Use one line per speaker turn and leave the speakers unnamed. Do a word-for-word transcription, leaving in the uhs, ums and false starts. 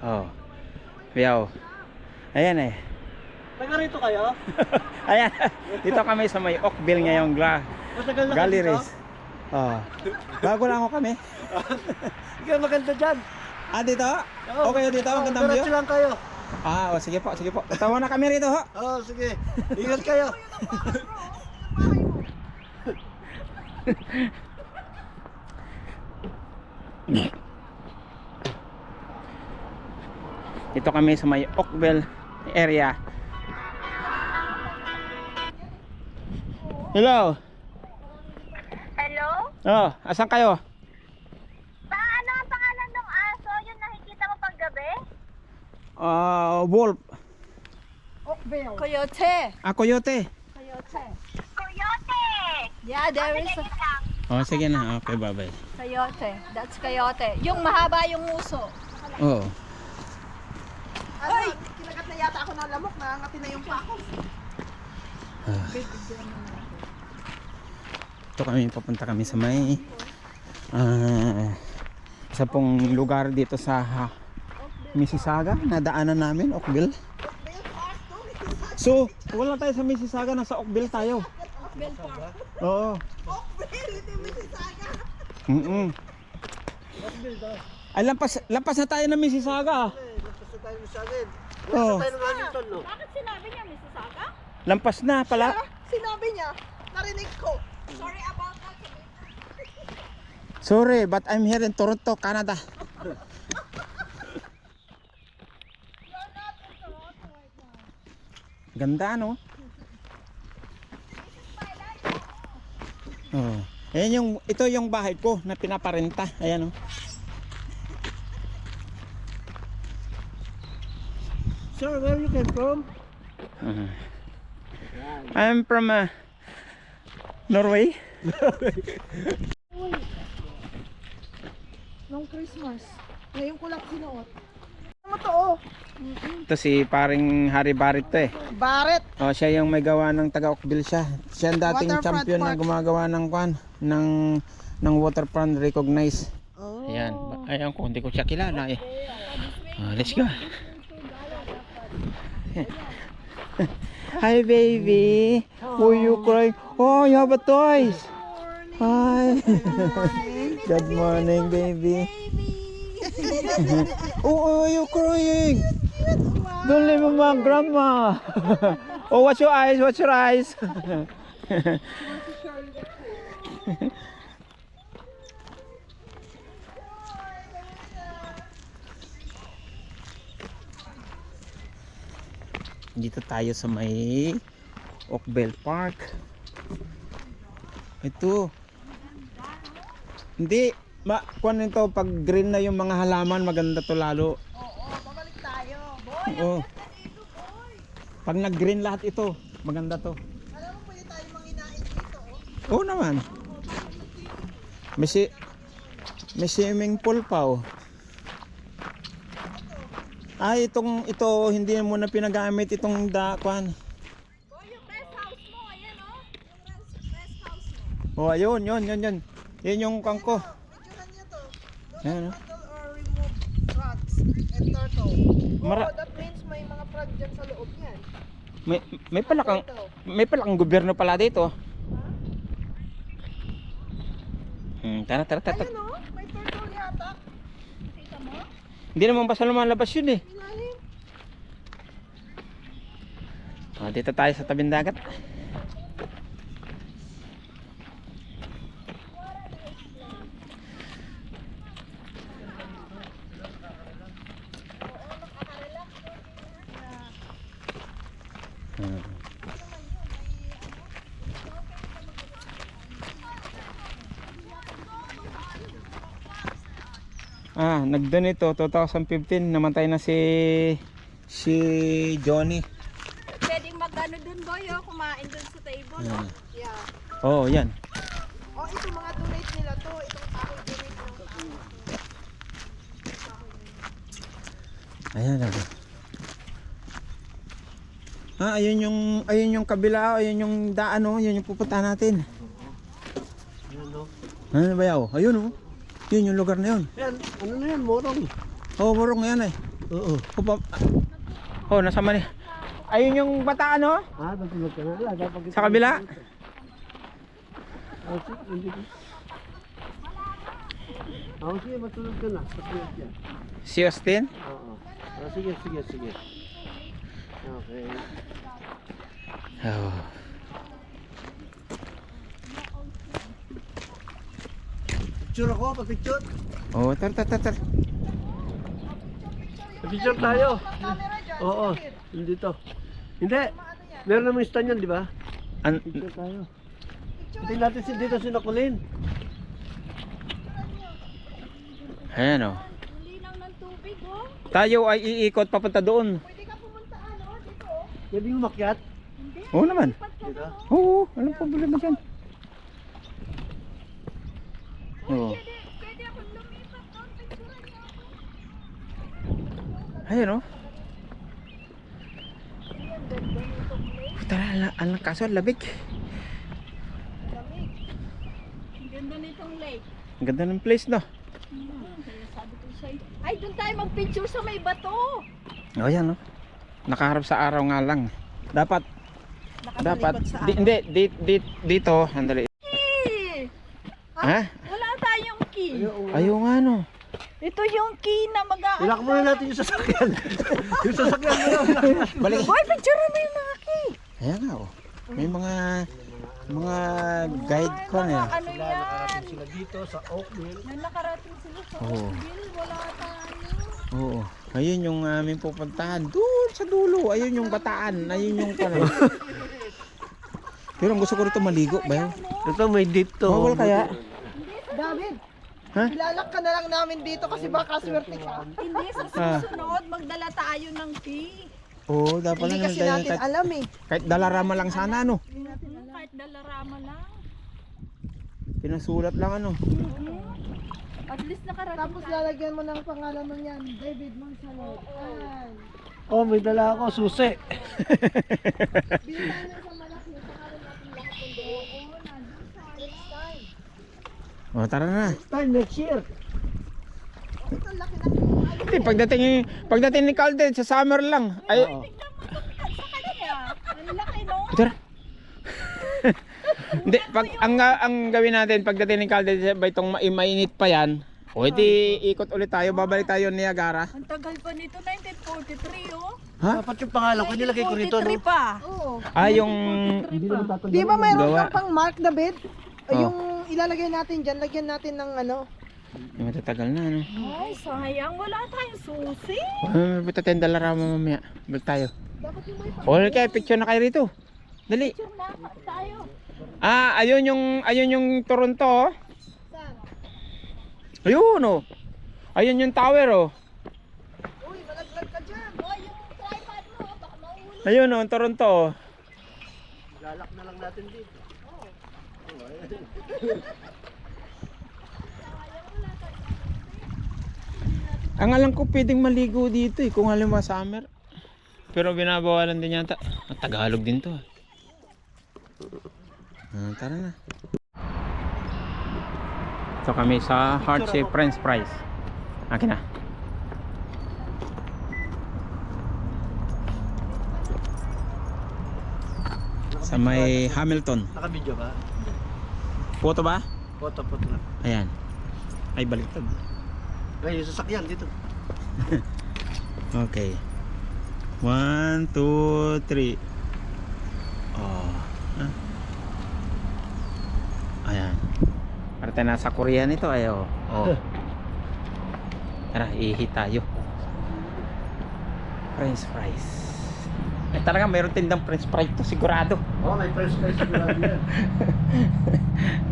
Oh. Yaw. Ayan eh.
Taga rito kayo?
Ayan. Dito kami sa may Oakville ngayong gla
Matagal na kayo
galleries.
dito?
Oh. Bago lang ako kami.
Ikaw maganda dyan.
Ah, dito? Okay dito, ang gandang view.
Diretso lang kayo.
Ah, oh, sige po, sige po. Tawa na kami rito, ho.
Oo, oh, sige. Ingat kayo.
Dito kami sa may Oakville area. Hello.
Hello?
Oh, asan kayo?
Paano ang pangalan ng aso? Yung nakikita mo paggabi?
Ah, wolf.
Oakville. Coyote.
Ah, coyote.
Coyote.
Coyote!
Yeah, there is a
Patingin lang.
Oh, sige na. Okay, bye-bye.
coyote. That's coyote. Yung mahaba yung uso.
Oh.
Ay, kinagat na yata ako ng lamok, nangangati na yung pako.
Ah. Ito kami, papunta kami sa may ah, isa pong lugar dito sa ha, Mississauga, nadaanan namin, Oakville. So, wala tayo sa Mississauga, nasa Oakville tayo.
Oakville Park.
Oo.
Oakville, hindi Mississauga.
Mm -mm. Ay, lampas, lampas na tayo ng Mississauga.
Basta tayo sa akin.
Oo.
Basta tayo ng Hamilton, no?
Bakit sinabi niya Mississauga?
Lampas na pala.
Sinabi niya, narinig ko.
Sorry about that.
Sorry, but I'm here in Toronto, Canada. Ganda, no? Oh. Ayan yung, ito yung bahay ko na pinaparenta. Ayan, oh.
Sir, where you came from?
Uh, I'm from uh, Norway.
Nung Christmas, ngayon ko lang sinuot. Ano mo to, oh?
Ito si paring Harry Barrett to eh.
Barret.
Oh, siya yung may gawa ng taga Oakville siya. Siya ang dating
Waterfront
champion na
Park.
gumagawa ng kwan ng ng waterfront recognized.
Oh.
Ayan, ayan ko hindi ko siya kilala eh. Oh, let's go. Hi baby. Who you crying? Oh, you have a toys. Hi. Good morning baby. Oh, oh, you crying? Don't leave my grandma. Oh, what's your eyes? What's your eyes? Dito tayo sa may Oakville Park. Ito. Hindi, ma kuan nito pag green na yung mga halaman, maganda to lalo.
Oo, babalik tayo. Boy,
Oo. Pag nag-green lahat ito, maganda to.
alam mo pwede tayo manginain dito, oh.
Oo naman. May si may swimming pool pa oh. Ay, itong ito hindi mo na pinagamit itong da kwan.
Boy, yung rest house mo. Ayan, oh. Yung rest, rest house mo.
Oh, ayun, yun, yun, yun. Yun yung kangko.
Medyohan niya to. Don't
Ayan, oh.
handle or remove frogs and turtle.
Mara-
oh, that means may mga frog dyan sa loob niyan.
May may pala kang
Turtle.
may pala kang gobyerno pala dito. Hmm, tara, tara, tara.
Ayun, oh, may turtle yata.
Kita mo?
Hindi naman basta lumalabas yun eh.
Ilalim.
Oh, dito tayo sa tabing dagat. Hmm. Ah, nag-donate to twenty fifteen, namatay na si si Johnny.
Pwedeng mag-ano dun, boy, oh. Kumain dun sa table, oh.
Ah.
Yeah.
Oh, yan.
Oh, ito mga donate nila to. Itong tao donate ng tao.
Ayan lang. Ah, ayun yung ayun yung kabila, ayun yung daan oh, yun yung pupuntahan natin.
Yan, no?
Ano ba yaw? Ayun oh. Yun yung lugar na yun.
Yan, ano na yan, morong.
Oh, morong yan eh.
Oo.
O, pa- oh, nasa mali. Ayun yung bata ano?
Ah, natulog ka na. Wala, dapat kita-
Sa kabila?
Oh, sige, hindi ko. Oh, sige, matulog ka na. Patulog yan.
Si Austin?
Oo. Oh, sige, sige, sige. Okay.
Oh.
Picture ako, pa-picture.
Oh, tar tar tar tar.
Pa-picture tayo. Oo, hindi to. Hindi. Meron namang stand yan, di ba?
An
Picture tayo. Hindi natin si dito sinakulin.
Ayan oh.
Ang linaw ng tubig, oh.
Tayo ay iikot papunta doon.
Pwede ka pumunta, ano, dito, oh.
Pwede yung makyat.
Oo naman.
Dito.
Oo, anong problema dyan? Oo.
Pwede, pwede akong lumipat doon. Picturean niyo ako.
Ayan oh. Tara, ala- alang kaso, labig.
Ang ganda nitong lake.
Ang ganda ng place no.
Kaya sabi ko sa'yo, ay, doon tayo mag-picture sa may bato.
O yan no. Nakaharap sa araw nga lang. Dapat, dapat,
sa
di, hindi, di, di, dito, andali.
Eh,
Ha?
wala tayong key.
Ayaw nga no.
Ito yung key na mag-aano.
Ilak muna natin yung sasakyan. Yung sasakyan mo lang.
Balik.
Boy, picture mo yung mga key.
Ayan nga oh. May mga, mga guide ko na yan.
Ano yan?
Sila dito sa Oakville.
Nung nakarating sila sa
Oo.
Oakville, wala tayo.
Oo. Ayun yung aming pupuntahan. Doon sa dulo. Ayun yung bataan. Ayun yung ano. Pero ang gusto ko rito maligo ba yun?
Ito may dito.
Bawal kaya?
David,
Ha?
ilalak ka na lang namin dito kasi baka swerte ka.
Hindi, sa susunod, magdala tayo ng key.
Oo, dapat
Hindi
na
kasi
dahil
natin
kahit,
alam eh.
kahit dalarama lang sana ano.
Kahit dalarama lang.
Pinasulat lang ano.
At least nakarating
Tapos lalagyan mo ng pangalan mo yan, David Monsalot. Ay.
Oh, may dala ako, susi.
Bilihan mo sa malaki, pangalan natin lahat ng doon. Next time.
O tara na.
Time next year.
Ito, laki na.
Hindi, pagdating, pagdating ni Calden sa summer lang. Ay,
Oo.
sa kanya. Ang laki, no?
tara. Hindi, pag ang ang gawin natin pagdating ni Calden ba itong ma- mainit pa yan. O edi ikot ulit tayo, babalik tayo ni Niagara.
Ang tagal pa nito, nineteen forty-three, oh.
Ha?
Dapat yung pangalan ko, nilagay ko rito, no?
forty-three pa.
Oo.
Ah, yung
Hindi naman tatanggalin.
Di ba mayroon
Gawa.
kang pang mark, David?
Oh.
Yung ilalagay natin dyan, lagyan natin ng ano.
yung matatagal na ano.
Ay, sayang. Wala tayong susi.
Ah, buta tayong dalarama mamaya. Balik tayo.
Dapat yung may
O kaya picture na kayo rito. Dali.
Picture na tayo.
Ah, ayun yung ayun yung Toronto. Oh.
saan.
Ayun oh. Ayun yung tower oh.
Uy, malaglag ka dyan.
Oh, yung tripod mo, baka mahuli.
Ayun oh, ang Toronto. Oh.
Lalak na lang natin dito.
Ang alam ko pwedeng maligo dito eh kung halimbawa summer. Pero binabawalan din yata. Ang Tagalog din to. Ah, tara na. Ito kami sa Heart Shape French Fries. Akin na. Sa may Hamilton.
Naka-video ba?
Photo ba?
Photo, photo lang.
Ayan. Ay baliktad.
Ay, yung sasakyan dito.
Okay. One, two, three. Oh. Ah. Ayan. Para tayo nasa Korea nito. Ayo. Oh. Tara, ihi tayo. French fries. Eh talaga mayroon tindang French fries to sigurado.
Oh, may first prize sigurado yan.